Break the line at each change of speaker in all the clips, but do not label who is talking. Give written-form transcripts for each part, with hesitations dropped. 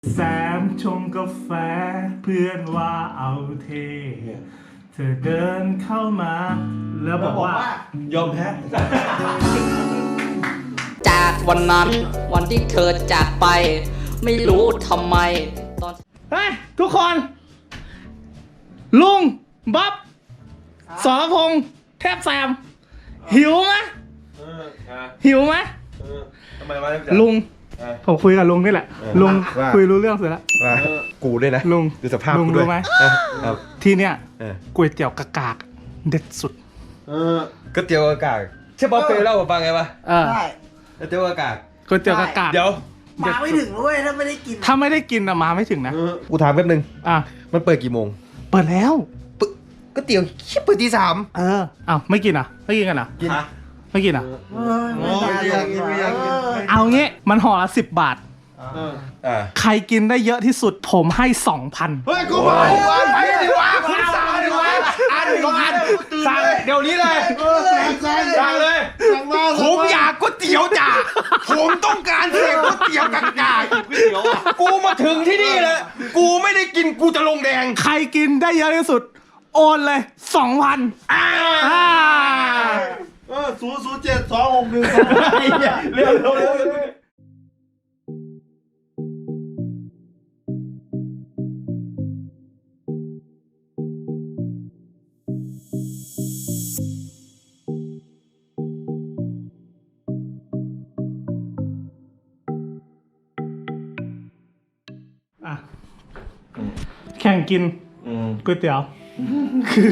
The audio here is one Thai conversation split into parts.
แซมชงกาแฟเพื่อนว่าเอาเทเธอเดินเข้ามาแล้วบอกว่ายอมแพ้
จากวันนั้นวันที่เธอจากไป ไม่รู้ทำไมตอน
เฮ้ยทุกคนลุงบ๊อบสรพงษ์เทพแซมหิวไหมหิวไหม
ทำไมวะ
ลุงผมคุยกับลุงนี่แหละลุงคุยรู้เรื่องเสร็จแล้ว
กูด้วยนะ
ลุง
ดูสภาพ
ลุง
กูด้วย
รู้ไหม
ครับ
ที่เนี้ย
เออ
ก๋วยเตี๋ยวกากากเด็ดสุด
ก๋วยเตี๋ยวอากาศใช่ป๊อปเคยเล่าให้ฟังไงปะ
ใช่
ก๋วยเตี๋ยวอากาศ
ก๋วยเตี๋ยวกากาก
เดี๋ยว
มาไม่ถึงด้วยถ้าไม่ได้กิน
ถ้าไม่ได้กินอะมาไม่ถึงนะ
กูถามแป๊บนึง
อ่ะ
มันเปิดกี่โมง
เปิดแล้ว
ก๋วยเตี๋ยวเปิดตี 3
อ้าวไม่กินอ่ะไม่กินกันอ่ะ
กิน
ไม่กินอ่ะ
ไม่อยากกิน
เอางี้มันห่อละ10 บาท ใครกินได้เยอะที่สุดผมให้ 2,000
เฮ้ยกูมาไปดิวะคุณสั่งดิวะอันสั่งเดี๋ยวนี้เลยสั่งเลยผมอยากก๋วยเตี๋ยวจ้ะผมต้องการเสพก๋วยเตี๋ยวกากากูมาถึงที่นี่เลยกูไม่ได้กินกูจะลงแดง
ใครกินได้เยอะที่สุด โอนเลย 2,000
0072612เร็ว
อ่ะแข่งกินก๋วยเตี๋ยวคือ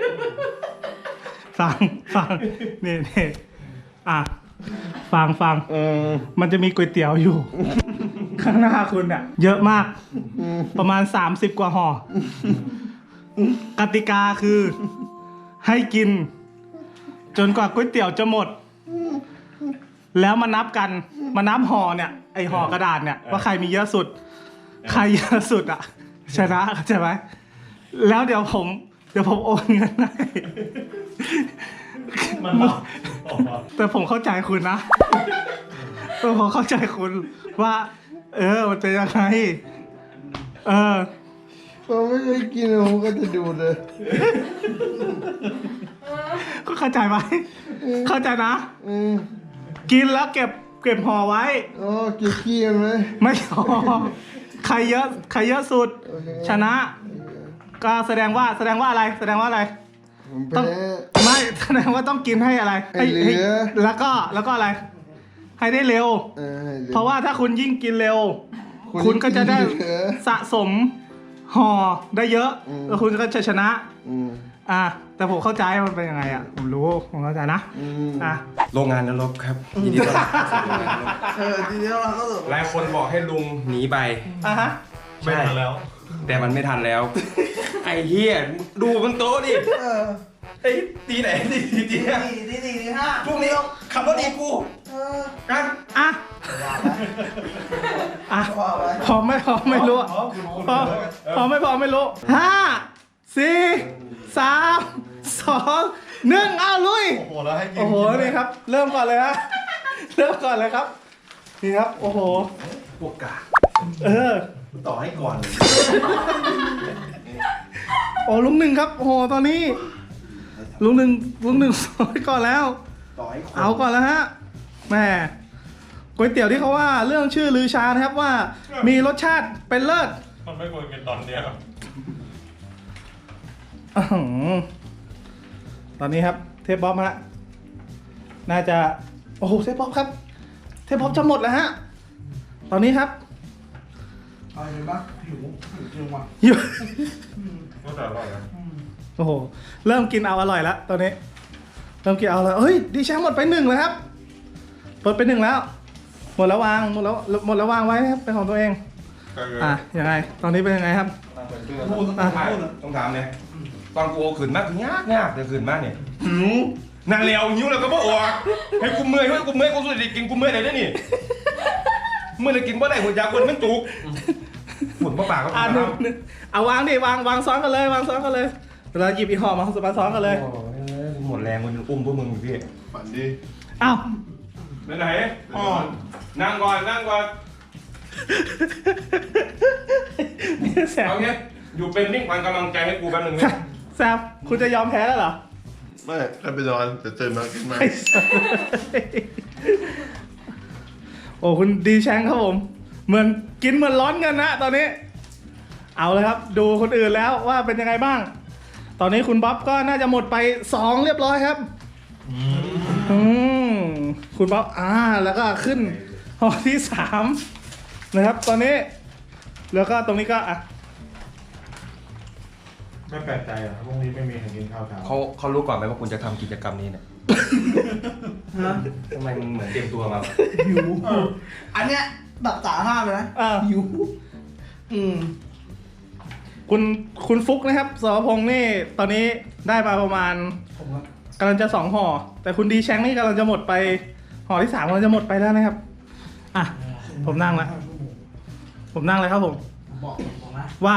ฟังนี่อ่ะฟังมันจะมีก๋วยเตี๋ยวอยู่ ข้างหน้าคุณเนี่ยเยอะมาก ประมาณ30 กว่าห่อกติกาคือ ให้กิน จนกว่าก๋วยเตี๋ยวจะหมด แล้วมานับกันมานับห่อเนี่ยไอห่อกระดาษเนี่ยว่าใครมีเยอะสุด ใครเยอะสุดอ่ะชนะเข้าใจไหมแล้วเดี๋ยวผมโอนเงินให้แต่ผมเข้าใจคุณนะผมเข้าใจคุณว่า มันเป็นยังไง
ผมไม่เคยกินผมก็จะดูเลย
ก็เข้าใจไหมเข้าใจนะกินแล้วเก็บห่อไว้
อ๋อกินขี้มันไหม
ไม่พอใครเยอะสุด ชนะ ก็แสดงว่าอะไร
ผม
ต้อง
แพ้
ไม่แสดงว่าต้องกินให้อะไร
ให้เหลือ
แล้วก็อะไร ให้ได้เร็ว
ให้เหลือ
เพราะว่าถ้าคุณยิ่งกินเร็ว
คุณ
คุณก็จะได้
กินเหลือ
สะสมห่อได้เยอะ แล้วคุณก็จะชนะ แต่ผมเข้าใจมันเป็นยังไงอ่ะผมรู้ผมเข้าใจนะ
โรงงานนรกครับยินดีต้อนรับสู่โรงงานนรก
ทีนี้เราก็แบบ
หลายคนบอกให้ลุงหนีไป
ฮะ
ไม่ทันแล้ว แต่มันไม่ทันแล้ว ไอ้เหี้ยดูบนโต๊ะดิไอ้ตีไหนตีเนี่ย
ทีห้า
พวกนี้ขับรถอีกกูกัน
อ่ะพร้อมไม่รู้พร้อมไม่รู้5 4 3 2 1เอาลุยโอ้โหนี่ครับ เริ่มก่อนเลยครับนี่ครับโอ้โห
พวกกา
ต่อให้ก่อน
โอ้ลุงหนึ่งครับโอ้โหตอนนี้ลุงหนึ่งสอยก่อนแล้ว
ต่อให้
เอาก่อนแล้วฮะแม่ก๋วยเตี๋ยวที่เขาว่าเรื่องชื่อลือชานะครับว่ามีรสชาติเป็นเลิศ
มันไม่ควรกินตอนเนี้ย
อื้อหือตอนนี้ครับเทปบ๊อบฮะน่าจะโอ้โหเทปบ๊อบครับเทปบ๊อบจะหมดแล้วฮะตอนนี้ครับ
เอาเลยบ้างหิวจริงว่ะ
อยู่
ก็แต่อร่อยนะ
โอ้โหเริ่มกินเอาอร่อยแล้วตอนนี้เริ่มกินเอาเลยเฮ้ยดีแชมป์หมดไป1เลยครับหมดไป1แล้วหมดแล้ววางไว้นะครับเป็นของตัวเองยังไงตอนนี้เป็นยังไงครับ
ต้องถามเนี่ยตอนกูเอาขืนมากยากจะขืนมากเนี่ยหิวนั่นเร็วหิวแล้วก็บ่ออกให้กูเมื่อยกูสุดดิกินกูเมื่อยไหนได้นี่เมื่อยเลยกินบ่ได้หัวยาคนมันจุกฝุ่นปากก็
เอาวางดิวางซ้อนกันเลยเราหยิบอีกห่อมาซ้อนกันเลย
หมดแรงมันอุ้มพวกมึงพี่
ฝันดี
อ้าว
ไหนนั่งก่อน
แซม
เอาเงี้ยอยู่เป็นนิ่งขวัญกำลังใจให้กูแป๊บนึงนะ
แซมคุณจะยอมแพ้แล้วเหรอ
ไม่แค่ไปนอนแต่ตื่นมาขึ้นมา
ไอ้สัสโอ้คุณดีแชงครับผม เหมือนกินเหมือนร้อนเงินนะตอนนี้ เอาเลยครับ ดูคนอื่นแล้วว่าเป็นยังไงบ้าง ตอนนี้คุณบ๊อบก็น่าจะหมดไป2เรียบร้อยครับคุณบ๊อบแล้วก็ขึ้นหอที่3นะครับ ตอนนี้แล้วก็ตรงนี้ก็
ไม่แปลกใจอ่ะพรุ่งนี้ไม่มีใครกินข้าวเช้า
เขารู้ก่อนไหมว่าคุณจะทำกิจกรรมนี้เนี่ยทำไมมึงเหมือนเตรียมตัวมา
หิวอันเนี้ยดับจ่าห้ามเลยนะหิว
คุณฟุกนะครับสรพงษ์นี่ตอนนี้ได้มาประมาณกำลังจะ2ห่อแต่คุณดีแชงนี่กำลังจะหมดไปห่อที่3กำลังจะหมดไปแล้วนะครับผมนั่งแล้วผมนั่งเลยครับผม
บอกนะ
ว่า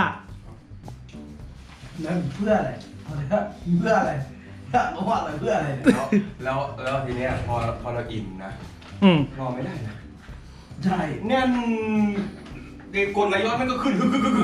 แล้วเพื่ออะไรเพื่ออะไรเขาว่าอะไรเพื่ออะไรเนี่ย
แล้วทีเนี้ยพอเราอิ่มนะ รอไม่ได้นะ
ใช่
เนี่ยเด็กกลนายอดมันก็ขึ้น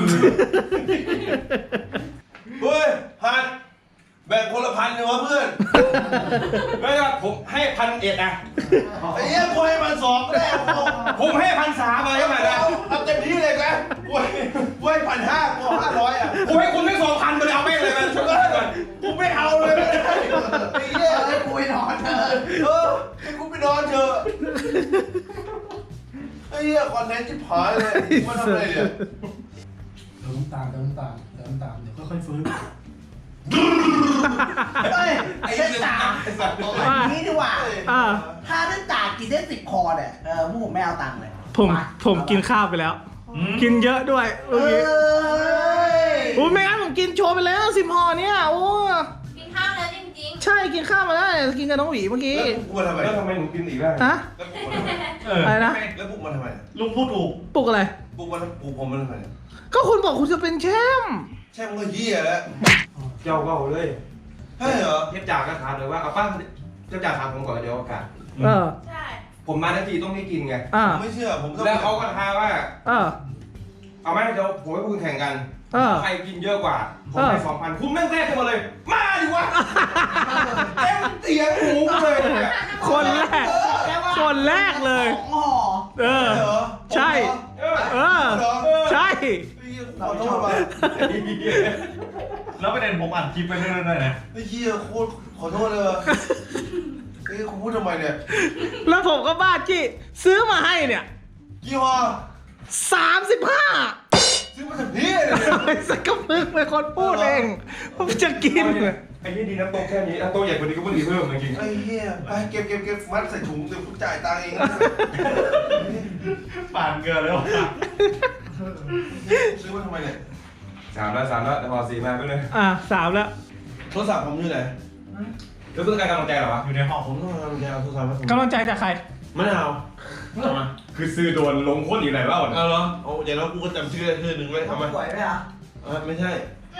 เฮ้ยพันแบ่งคนละ1,000เลยวะเพื่อน
ไม่ครับผมให้1,100นะ
ไอ้เหี้ยกูให้มัน2ก็ได้
ผมให้1,300มาใช่ไหมนะ
เอาเต็มที่เลยนะกูให้1,500กู500อ่ะ
ผมให้คุณได้2,000ไปเลยเอาไปเลยมันช่วยกัน
กูไม่เอาเลยไอ้เหี้ย
ให้กูไปนอนเถอะ
ให้กูไปนอนเถอะไอ้เหี้ยคอนเทนต์ชิบหายเลยมาทำอะไรเนี่ย
เติมตามเดี๋ยวค่อยๆฟื้นเฮ้ยไอ้เส้นตาอย่างนี้ดีกว่าถ้าเส้นตากินได้10 คอเนี่ยพวกผมไม่เอาตังค์เลย
ผมกินข้าวไปแล้ว กินเยอะด้วยเมื่อกี้โอ้ไม่งั้นผมกินโชว์ไปแล้ว10ห่อเนี่ยโอ้
กินข้าวแล้วจริง
ใช่กินข้าวมาแล้วกินกับน้องหวีเมื่อกี้
แล้วกูมาทำไม
แล้วทำไมหนูกินอีกได้
ฮะ อะไรนะ
แล้วกูมาทำไม
ลุงพูดถูก
ปลุกอะไร
กูมาปลูกผมมาทำไม
ก็คุณบอกคุณจะเป็นแชมป์
แช่มึงก็เหี้ยแล้ว
เจ้าก็เลย
ใช่เหรอ
เทียบจากก็ถามเลยว่าเอาป้าเจ้าจ่าถามผมก่อนเดี๋ยวโอกาส
ๆ ใช่
ผมมาทันทีต้องได้กินไง
ผมไม่เชื่อผมต้อง
แล้วเขาก็ท้าว่า
เออ
เอาไหมเดี๋ยวผมให้คุณแข่งกัน ใครกินเยอะกว่า ผมให้ 2,000 คุณแม่งแรกขึ้นมาเลย มาดิวะเต็มเตียงหูเลยเนี่ย
คนแรก คนแรกเลย
2 ห่อ
เออ
เหรอ
ใช่ เออ ใช่
ขอโทษว่ะ
แล้วประเด็นผมอัดคลิปไปเรื่อยๆนะ
ไอ้เหี้ยโคตรขอโทษเลยว่ะไอ้กูพูดทำไมเนี่ย
แล้วผมก็บ้าจี้ซื้อมาให้เนี่ย
กี่ห่อ
35
ซื้อมาจากพี่เลย
สักกระพึกเป็นคนพูดเองผมจะกิน
ไอ้นี่ดีนะโต๊ะแค่นี้โต๊ะใหญ่กว่านี้ก็ไม่ดีเพิ่มจริง
ไอ้เหี้ยไปเก็บมัดใส่ถุงเดี๋ยวกูจ่ายตังค์เอง
ปาดเกลือเลยว่ะ
ซื้อมาทำไมเนี่ย
3แล้วแต่พอ4มาไปเลย
3แล้ว
โทรศัพท์ผมอยู่ไหน
แล้วคุณต้องการกำลังใจเหรอวะ
อยู่ในห้อง
ผมต้องทำยังไงเอาโทรศัพท์มาผม
กำลังใจจากใคร
มะนาว
คือซื้อโดนลงโคตรอยู่ไหนเล่าเนี่ย
เอาเหรอเอาอย่างน้อยกูก็จำชื่อได้ชื่อหนึ่งไว้ทำไม
สวยไหมอ่ะ
ไม่ใช่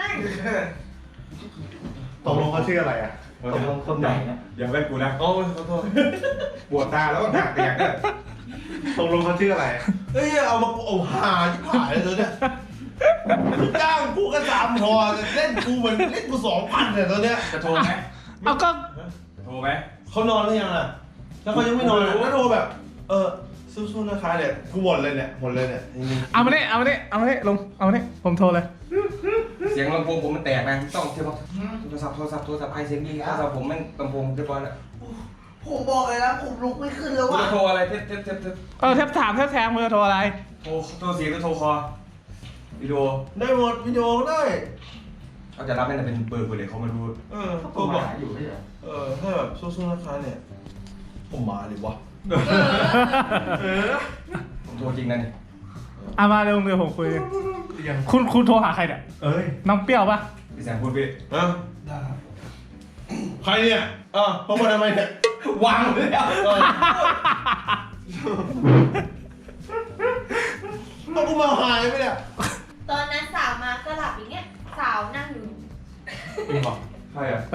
ตกลงเขาชื่ออะไรอ่ะ
คนไหนอย่าเล่นกูนะ
โอ้ยขอโทษ
ปวดตาแล้วก็หักแตกเนี่ย
ตกลงเขาชื่ออะไร
เฮ้ยเอามาเอาหาที่ผ่านเลยเธอเนี่ยจ้างกูก็3 พอเล่นกูเหมือนเล่นกู2,000เนี่ยตอนเนี้ย
จะโทรไหม
เอาก็
โทรไหม
เขานอนหรือยังอ่ะถ้าเขายังไม่นอนก็โทรแบบสู้ๆนะคะเนี่ยกูหมดเลยเนี่ย
เอามานี่ลงเอามานี่ผมโทรเลย
เสียงลำโพงผมมันแตกนะต้องเทียบว่าโทรศัพท์ใครเสียงดีโทรศัพท์ผมมันลำโพงเรียบร้อยแล้ว
ผมบอกเลยนะผมลุกไม่ขึ้นแล้ว
คุณ
ว่ะ
จะโทรอะไรเทป
แทบถามแทบแทงมือโทรอะไร
โทรเสียงหรือโทรคอวิดีโอ
ได้หมดวิดีโอได้
เขาจะรับไม่ได้เป็นเบอร์กูเลยเขาไม่รู้
โทรบอก
อยู่ไม่ใช่
ถ้าแบบสู้ๆนะคะเนี่ยผมมาเลยวะ
ผมโทรจริงนะนี่
เอามาเร็วเดี๋ยวผมคุยคุณโทรหาใครเนี่ย
เอ้ย
น้องเปรี้ยวปะ
พี่แซมพูดพี่
ได้ครับ
ใครเนี่ยเขามาทำไมเนี่ยว
างเลยอ่ะ
เอากูมาหายไปเนี่ย
ตอนนั้นสาวมาก็หลับอย่างเงี้ย สาวนั่งอยู่
นี่บอกใครอ่ะ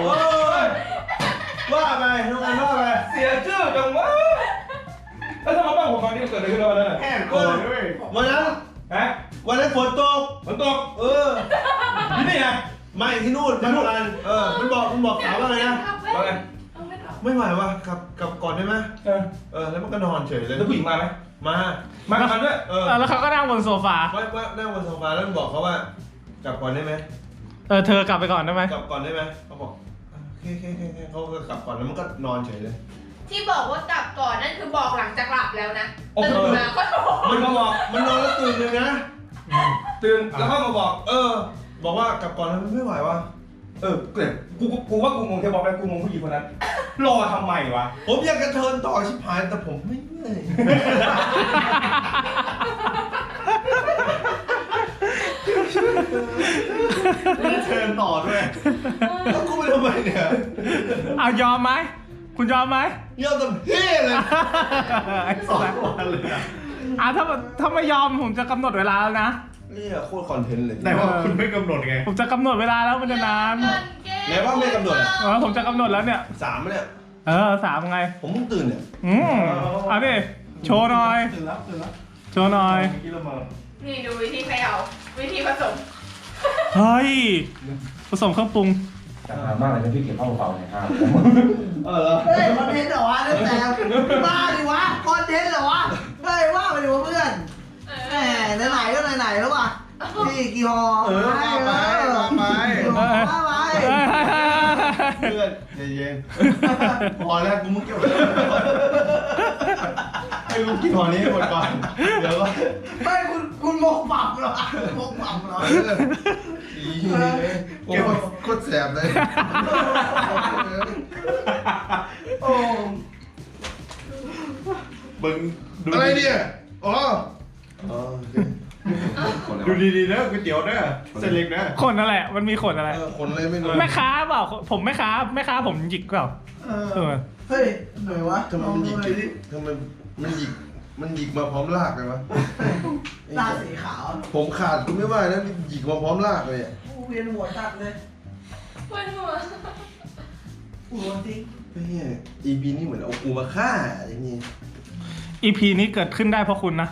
ว่าไปทำไมว่าไป
เสียชื่อจังวะแล้วทำไมผมตอนนี้เกิดอะไรขึ้นแล้วนั่น
แห้งก่อนด้วยวันนั้น
ฮะ
วันนั้นฝนตก
ฝนตกที่นี่นะ
ไม่ที่นู่นที่นู่นมันบอกสาวว่าไงนะ
ว่าไง
ไม่ไหวว่ะกลับก่อนได้ไหม แล้วมันก็นอนเฉยเลย
แล้วผู้หญิงมาไหม
มา
มากับมันด้วย
แล้วเขาก็นั่งบนโซฟา
ว่านั่งบนโซฟาแล้วบอกเขาว่ากลับก่อนได้ไหม
เธอกลับไปก่อนได้ไหม
กลับก่อนได้ไหมเขาบอกโอเคเขาก็กลับก่อนแล้วมันก็นอนเฉยเลย
ที่บอกว่ากลับก่อนนั่นคือบอกหลังจากหลับแล้วนะตื่นมาก็บอก
มันมาบอกมันนอนแล้วตื่นเลยนะ
ตื่นแล้วก็มาบอก
บอกว่ากลับก่อนแล้วไม่ไหวว่ะ
เกิดกูว่ากูงงแค่บอกไปกูงงผู้หญิงคนนั้นรอทำไมวะ
ผมอยากกระเทินต่อชิบหายแต่ผมไม่เมื่อย
เชิญต่อด้วย
แล้วกูไปทำไมเนี่ย
เอายอมไหมคุณยอมไหม
เยี่ยมแต่เพ่เลย
2 วันเลยอะ
ถ้าไม่ยอมผมจะกำหนดเวลาแล้วนะ
นี่โคตรคอนเทนต์เลย
แต่ว่าคุณไม่กำหนดไง
ผมจะกำหนดเวลาแล้วมันจะนาน
ไหนว่าไม่กำหนดอะ
ผมจะกำหนดแล้วเนี่ย
3เนี่ย
3ไง
ผมเพิ่งตื่นเนี่ย
เอาดิโชว์หน่อย
ตื่นแล้ว
โชว์หน่อย
เมื่อกี้เรามา
นี่ดูวิธีเขย่าวิธีผสม
เฮ้ยผสมเครื่องปรุง
แต่มากเลยนะพี่เก็บข้าวเปล่าเนี่ยครับ
เหรอ
เฮ้ยคอนเทนต์เหรอวะตั้งแต่มาดิวะคอนเทนต์เหรอวะเฮ้ยว่าไปดิวะเพื่อนแหมไหนๆก็ไหนๆแล้วว่ะพี่กี่ห่อว่าไป
ว่าไป เพื่อนใจเย็นพอแล้วกูมึงเก็บไว้ให้กูกินหอนี้ให้หมดก่อนเดี๋ยวก็
ไม่คุณมกปรับเหรอมกปรับเหรอ
เก็บโคตรแสบเลย
โอ้
มึงดู
อะไรเนี่ยอ๋อ
ดูดีๆนะก๋วยเตี๋ยวนะเส้นเล็กนะ
ขนนั่นแหละมันมีขนอะไร
คนอะไรไม่รู้
แม่ค้าเปล่าผมแม่ค้าผมหยิกเปล่า
เฮ้ยหน่อยวะ
ทำไมมันหยิกทำไมมันหยิกมาพร้อมลากเลยวะ
ตาสีขาว
ผมขาดกูไม่ว่านะมันหยิกมาพร้อมลากเลยอ่ะ
เวียนหัวจัดเลย
ปวดหัว
หัวจริง
เฮ้ย EP นี่เหมือนเอากูมาฆ่าอย่างงี้
EP นี้เกิดขึ้นได้เพราะคุณนะ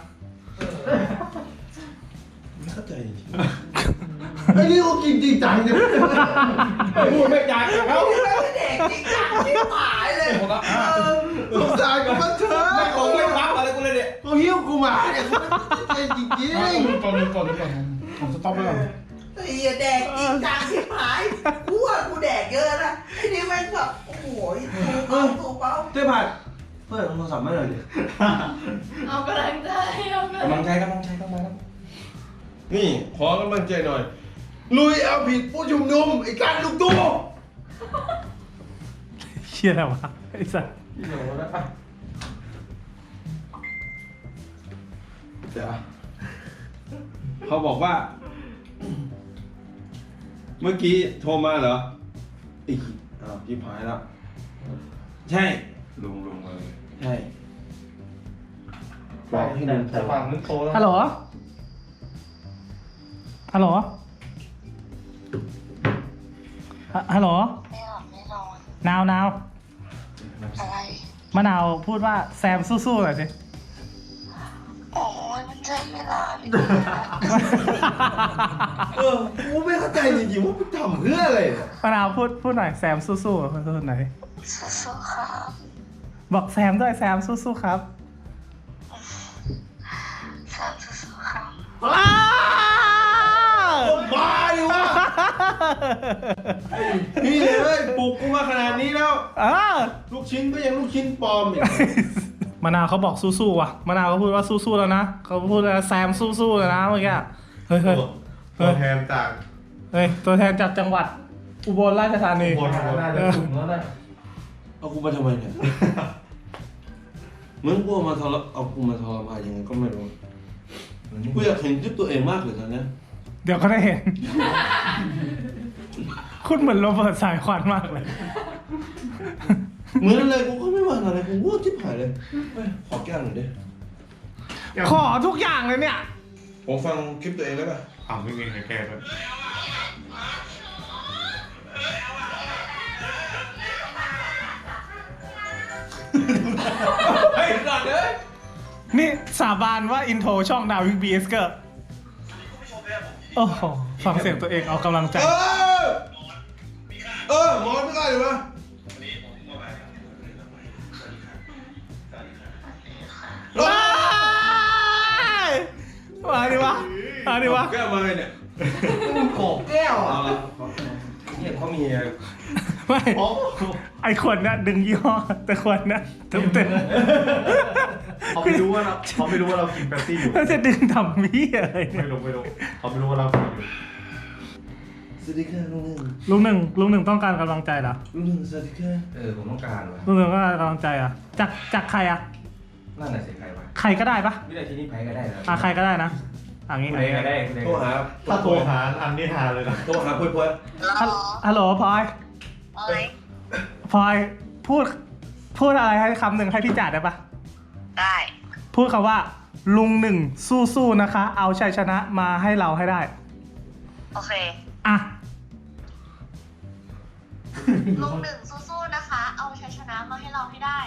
ไม่เข้าใจจริงไอ้นี่กูกินจริงจังเนี่ย
พูดไม่จางกับเขา
เด็กจริงจังที่หายเลย
สงสารกับมันเถอะ
ไม่ของไม่รับอะไรกูเลยเนี่ย
เขาหิ้วกูมาเนี่ยกูไม่เข้าใจจริง
ก่อนผมสต็อปไว้ก่อน
ไอ้เหี้ยแดกจริงจังที่หายกูว่ากูแดกเยอะนะไอ้นี่แม่งแบบโอ้โหถูกเปล่า
ๆเต้ผัดเปิดโทรศัพท์ไม่เลยดิ
เอากำลังใจเอากำ
กำ
ลั
ลั
ง
ง
ใจ
ใจต้องมาครับ
นี่ขอกำลังใจหน่อย ลุยเอาผิดผู้ชุมนุมไอ้การลูกตู้
เชี่ยอะไรวะไอ้สัส
เดี๋ยวนะ
เดี๋ยวเขาบอกว่า เมื่อกี้โทรมาเหรออีกพี่พายแล้ว ใช่
ลุงเลย
ใช่บอกให้ลุงโทร
แต่ฝั่งนึงโตแล้ว
ฮัลโหลฮัลโหลฮัลโหล
ไม่หลับไม่นอน
นาว
อะไร
มะนาวพูดว่าแซมสู้ๆหน่อยสิ
โอ้ยมันใช่เวลาหรือ
กูไม่เข้าใจจริงๆว่ามึงทำเพื่ออะไรเนี่ย
มะนาวพูดหน่อยแซมสู้ๆพูดหน่อย
สู้ๆครับ
บอกแซมด้วยแซมสู้ๆครับ
แซมสู้ๆครับ
บ้าดิวะพี่เลยปลุกกูมาขนาดนี้แล้ว ลูกชิ้นก็ยังลูกชิ้นปลอมอีก
มะนาวเขาบอกสู้ๆว่ะมะนาวเขาพูดว่าสู้ๆแล้วนะเขาพูดว่าแซมสู้ๆเลยนะเมื่อกี้เฮ้ย
ตัวแทนจาก
ตัวแทนจากจังหวัดอุบลราชธานี
น่าจะถูกแล้วนะ
เอากูมาทำไมเนี่ยเหมือนกูเอามาเอากูมาทรมานยังไงก็ไม่รู้กูอยากเห็นจุดตัวเองมากเลยตอนเนี้ย
เดี๋ยวก็ได้เห็น คุณเหมือนโรเบิร์ตสายควันมากเลย
เหมือนอะไรกูก็ไม่ว่าอะไรกูวู้ทิพหายเลยเฮ้ยขอแก้วหน่อยดิ
ขอทุกอย่างเลยเนี่ย
ผมฟังคลิปตัวเองแล้วป่ะ
ถามไม่เองแค่ด้วย
เฮ้ยก่อนเลย
นี่สาบานว่าอินโทรช่องดาวิกบีเอสเกอร์โอ้โหฟังเสียงตัวเองเอากำลังใจ
หมอนไม่ได้หรือวะ
ว้ายมาดิวะมาดิวะ
แก้มาเลยเนี่ย
โกบแก้วอ่ะ
เนี่ยเขามี
ไม่ไอคนน่ะดึงยี่ห้อแต่คนน่ะเต็ม
เขาไม่รู้ว่าเรากินเป๊ปซี่อยู่
ๆแล้วจะดึงทำมี่อะไรเนี่ย
ไม่รู้เขาไม่รู้ว่าเรากินอยู่
สวัสดีค่ะลุงหนึ่ง
ลุงหนึ่งต้องการกำลังใจเหรอ
ลุงหนึ่งสวัสดีค่ะ
ผมต้องการว่ะ
ลุงหนึ่งก็กำลังใจอ่ะจากใครอ่ะ
นั่นน่ะสิใครวะ
ใครก็ได้ปะ
วินาทีนี้ใครก็ได้นะ
ใครก็ได้นะงี้
ใครก็ได้
โทรหา
ถ้าโทรหาอันนี้ทานเลยนะ
โทรหาพวย
ฮัลโหลพลอย
โอ้ย
พลอยพูดอะไรให้คำหนึ่งให้พี่จ่าได้ปะ
ได้
พูดคำว่า ลุงหนึ่งสู้ๆนะคะ เอาชัยชนะมาให้เราให้ได้
โอเค
อ่ะ
ลุงหนึ่งสู้ๆนะคะ เอาชัยชนะมาให้เราให้ได้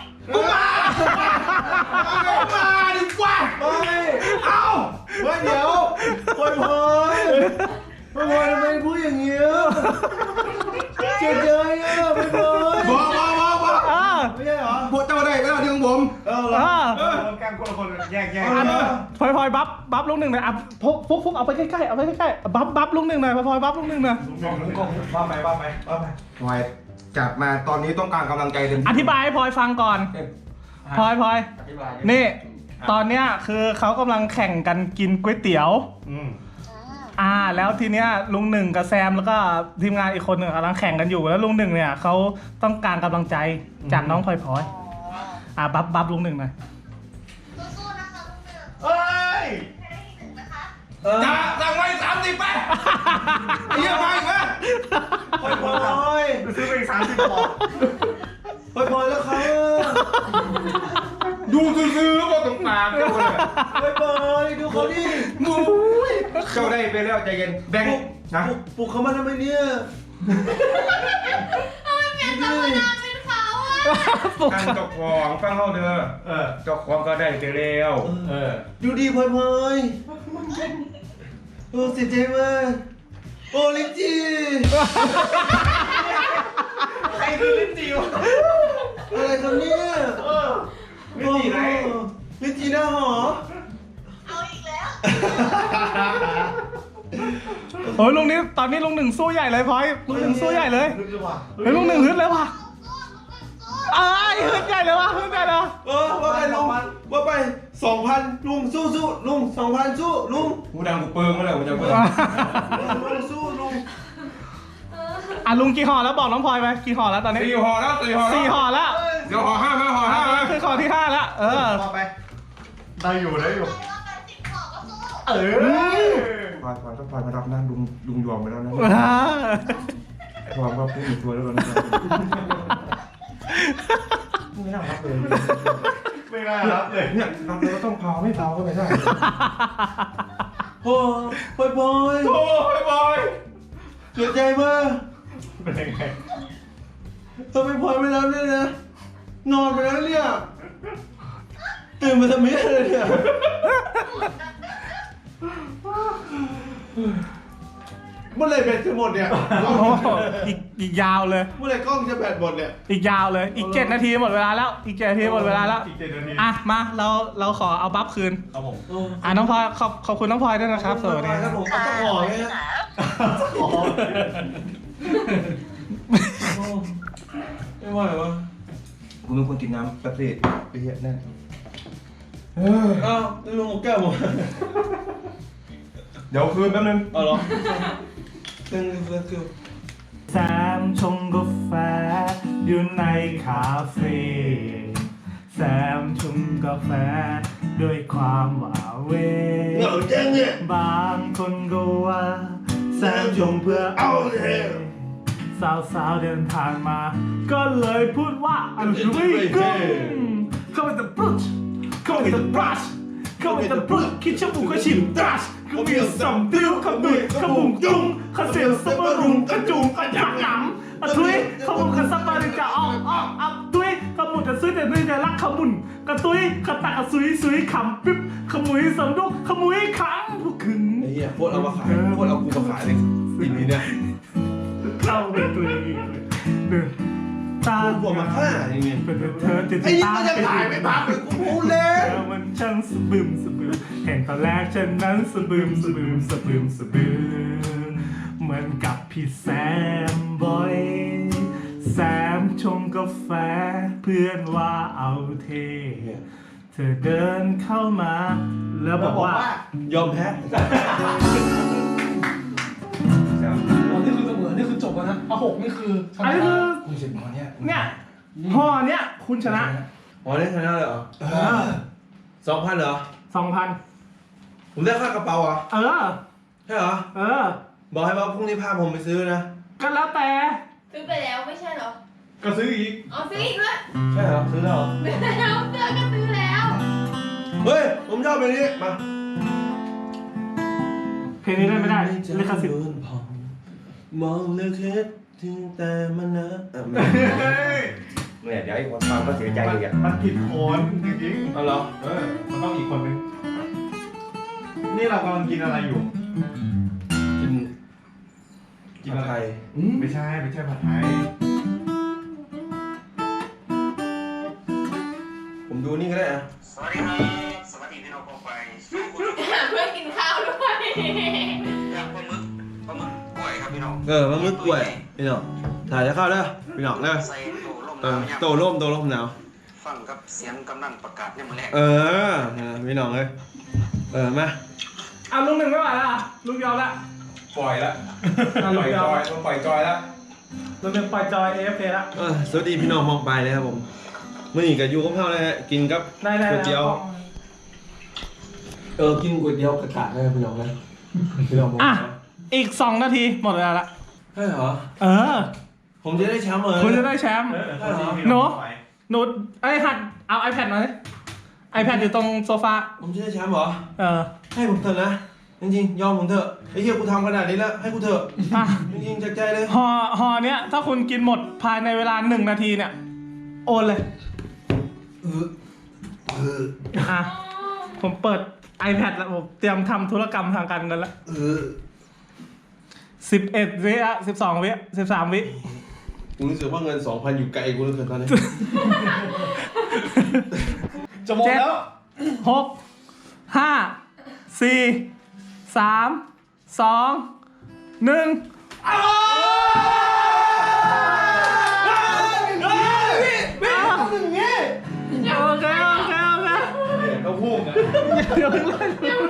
มาดีกว่าเอ้า
ๆเดี๋ยวพวยทำไมพูดอย่างเงี้ยเสียใจอ่ะพวย
บอก
ไม่ใช่เหรอ
พวกเจ้าได้ก็ได้ที่ของผม
แกล้งคนละคนแยก
พลอยบัฟลุงหนึ่งหน่อยอ่ะฟุกเอาไปใกล้ๆเอาไปใกล้ๆบัฟลุงหนึ่งหน่อยพลอยบัฟลุงหนึ่งหน่อย
ว่าไป
พลอยจัดมาตอนนี้ต้องการกำลังใจเต็ม
อธิบายให้พลอยฟังก่อนพลอย
อธิบาย
นี่ ตอนเนี้ยคือเขากำลังแข่งกันกินก๋วยเตี๋ยว แล้วทีเนี้ยลุงหนึ่งกับแซมแล้วก็ทีมงานอีกคนหนึ่งกำลังแข่งกันอยู่แล้วลุงหนึ่งเนี่ยเขาต้องการกำลังใจจากน้องพลอยบัฟลุงหนึ่งหน่อย
สู้ๆนะคะลุงหนึ่ง
เฮ้ย
ให้ได้ที่หนึ่งนะคะ
จะสั่งไว้30ไปไอ้เหี้ยมาอีกไหม
พวย
ซื้อไปอีก30ปอก
พวยแล้วเขา
ดูซื้อๆก็ตรงกลางเจ้าเลย
พวยดูเขาดิ
มูยเจ้าได้ไปแล้วใจเย็นแบงค์นะ
ปลุกเขามาทำไมเนี่ย
เป็นธรรมดาเป็นเขาอะ
การเจ้าของฟังเขาเด้อเจ้าของก็ได้ไปแล้ว
ดูดีพวยโอ้เสียใจมากโอ้ลิจี
ใครคือลิ้นจีวะ
อะไรครับเนี่ย
ลิ้นจีไหน
ลิจีหน้าหอ
เอาอีกแล้ว
โอ้ยลุงนี้ตอนนี้ลุงหนึ่งสู้ใหญ่เลยพลอยลุงหนึ่งสู้ใหญ่เลยเฮ้ยลุงหนึ่งฮึดเลยว่ะฮึดใหญ่เลยว่ะฮึดใหญ่เลย
ว่าไปลุงว่าไป 2,000 ลุงสู้ลุง 2,000 สู้ลุง
กูดังกูเปิงมาแล้วกูจะเปิง
ลุงสู้ลุง
ลุงกี่ห่อแล้วบอกน้องพลอยไปกี่ห่อแล้วตอนนี้
4 ห่อแล้ว
4 ห่อแล้ว
เดี๋ยวห่อ5มาห่อ5มา
คือห่อที่ 5 แล้ว
ได้อยู่
ใครว่าการติดขอก็สู้
พลอยต้องพลอยมารับนะลุงยอมไปแล้วนะพลอยก็พูดอีกตัวแล้วกันไม่น่ารับเลย
ไม่น่ารับเลย
เนี่ยรับแล้วต้องเผาไม่เผาก็ไม่ได้
โอ้พอย
โอ้ยบอย
เสียใจมาก
เป็นยังไง
ทำไมพลอยไม่รับเนี่ยนะนอนไปแล้วเนี่ยตื่นมาทำไมเลยเนี่ย เมื่อไหรแบตจะหมดเนี่ย
โอ้โหอีกยาวเลย
เมื่อไหรกล้องจะแบตหมดเนี่ย
อีกยาวเลยอีก7 นาทีหมดเวลาแล้วอีก7 นาทีหมดเวลาแล้ว
อีก7 นาที
มาเราขอเอาบัฟคืน
ครับผม
น้องพลอยขอบคุณน้องพลอยด้วยนะครับสวัสดี
ครับผมต้องขอเลยนะไม่ไหววะ
กูเป็นคนกินน้ำแป๊บซี่ไปเหี้ยแน่
อ้าวลุงแก้วผม
เดี๋ยวคืนแป๊บนึง
เอาเหรอตึงคือ
แซมชงกาแฟอยู่ในคาเฟ่แซมชงกาแฟด้วยความหวาเว
เหงาจังเนี่ย
บางคนก็ว่าแซมชงเพื่อเอาเทสาวๆเดินทางมา ก็เลยพูดว่าอันนี้กุ้งเข้าไปแต่บรุชเข้าไปแต่บรัชเข้าไปแต่บรุชคิดชั่วโมงก็ชิมดรัชก็มีสัมติ้วขมุยขมุงจุ้งขเสียวสับปะรุงกระจุงกระยักหนำทุยขมุงกระสับปะริกะออกอับทุยขมุงกระซุยแต่นี่จะรักขมุนกระตุยกระตะกระซุยซุยขำปิ๊บขมุยสมดุกขมุยขังพวกขึง
ไอ้เหี้ยโคตรเอามาขายโคตรเอากูมาขายเลยสิ่งนี้เนี่ย
เข้าเป็นตัวเองเลยเดินตา
พวกมาฆ่าอย่างเงี้ย
เป็นเธอติด
ไอ้นี่
ตา
มันจะถ่ายไม่พักเลยกูพูดเล่
เธอมันช่างสะบึมสะบึมเห็นตอนแรกฉันนั้นสะบึมสะบึมสะบึมสะบึมเหมือนกับพี่แซมบอยแซมชงกาแฟเพื่อนว่าเอาเท เธอเดินเข้ามาแล้วบอกว่า
ยอมแพ้
อ๋อนี่คือเสมอนี่คือจบแล้วนะเอาหกนี่คือช
อัน
นะ
นี้คือ
คุณเสร็จมาเนี่ย
เนี่ยห่อเนี้ยคุณชนะ
อ๋อได้ชนะเลยเหรอ2,000เหรอ
2,000
ผมได้ค่ากระเป๋าเหรอ
เออ
ใช่เหรอ
เออ
บอกให้ว่าพรุ่งนี้พาผมไปซื้อนะ
ก็แล้วแต่
ซื้อไปแล้วไม่ใช่เหรอ
ก็ซื้ออีก
อ๋อซื้ออีกด้วย
ใช่เหรอซื้อแล้วเหรอ
ซื้อแล้วเสื้อก็ซื้อแล้ว
เฮ้ยผมชอบเพลงนี้มา
เพลงนี้ได้ไม่ได้ลิขสิทธิ์
มองเลือกเฮ็ดถึงแต่มันนะไม่
เนี่ยเดี๋ยวไอ้คนฟังก็เสียใจอีกอ่ะ
มันผิดคนจริง
เอาเหรอ
ๆมันต้องอีกคนนึงนี่เรากำลังกินอะไรอยู่
กิน
กินอะไร
ไทย
ไม่ใช่ผัดไทย
ผมดูนี่ก็ได้อะ
สวัสดีครับสวัสดีพี่น้องกองไฟ
เพื่อนกินข้าวด้วย
ย่างปลาหมึกกล้วยครับพี่น้อง
มันมืดกล้วยพี่น้องถ่ายจะเข้าเด้อพี่น้องเด้อ
ใส่โตล่ม
เออ
น้ำ
โตร่มหนาว
ฟังกับเสียงกำนันประกาศเนี่ยมือแรก
พี่น้องเลยมา
อ่ะลุงหนึ่งไม่ไหวแล้วอ่ะลุงยอมละ
ปล่อยละ
อ่ะ
ป
ลุ
ล่
ง
อย
ย
จ
อม
อยต้องปล่อยจอยแล้ว
ลุงหนึ่งปล่อยจอย AFK ละ
สวัสดีพี่น้องมองไปเลยครับผมมื่อนี้กับยูกับข้าวเลยฮะกินกับ
ได้
ก๋วยเตี๋ยว กินก๋วยเตี๋ยวกระกะเลยพี่น้องเลยพี่น้องมอง
อ่ะอีก2 นาทีหมดเวลาละ
ใช่เหรอ
เออ
ผมจะได้แชมป์เลย
คุณจะได้แชมป์ หนู หนูไอ้หัดเอา iPad มาดิ iPad อยู่ตรงโซฟา
ผมจะได้แชมป์เหรอ
เออ
ให้ผมเถอะนะจริงๆยอมผมเถอะไอ้เหี้ยกูทำขนาดนี้แล้วให้กูเถอะ
อ่ะ
จริงๆจากใจเลย
ห่อเนี้ยถ้าคุณกินหมดภายในเวลา1 นาทีเนี่ย โอนเลยอ่ะผมเปิด iPad แล้วผมเตรียมทำธุรกรรมทางการเงินแล้ว11 วิอ่ะ12 วิ13 วิ
กูรู้สึกว่าเงิน 2,000 อยู่ไกลกูเหลือเกินตอนนี้
จะหมดแล้ว
6 5 4 3 2 1 โอเคโอเค
ก็พุ่งอ่ะ
เดี๋ยวเลย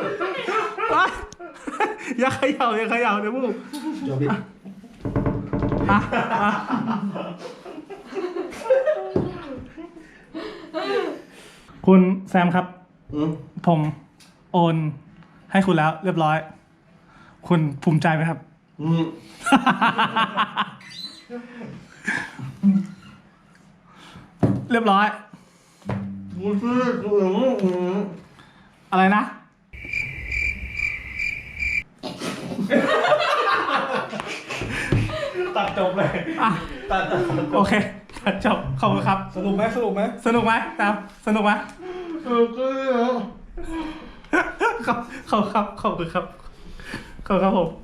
อย่าเขย่าเดี๋ยวพวก
จบดิ
อ่ะคุณแซมครับ ผมโอนให้คุณแล้วเรียบร้อย คุณภูมิใจไหมครับ เรียบร้อย อะไรนะ
ตัดจบเลย
อ่ะ
ตัด
โอเคตัดจบขอบคุณครับ
สนุกไหม
สนุกไหมครับสนุกไหมขอบคุณครับขอบคุณครับผม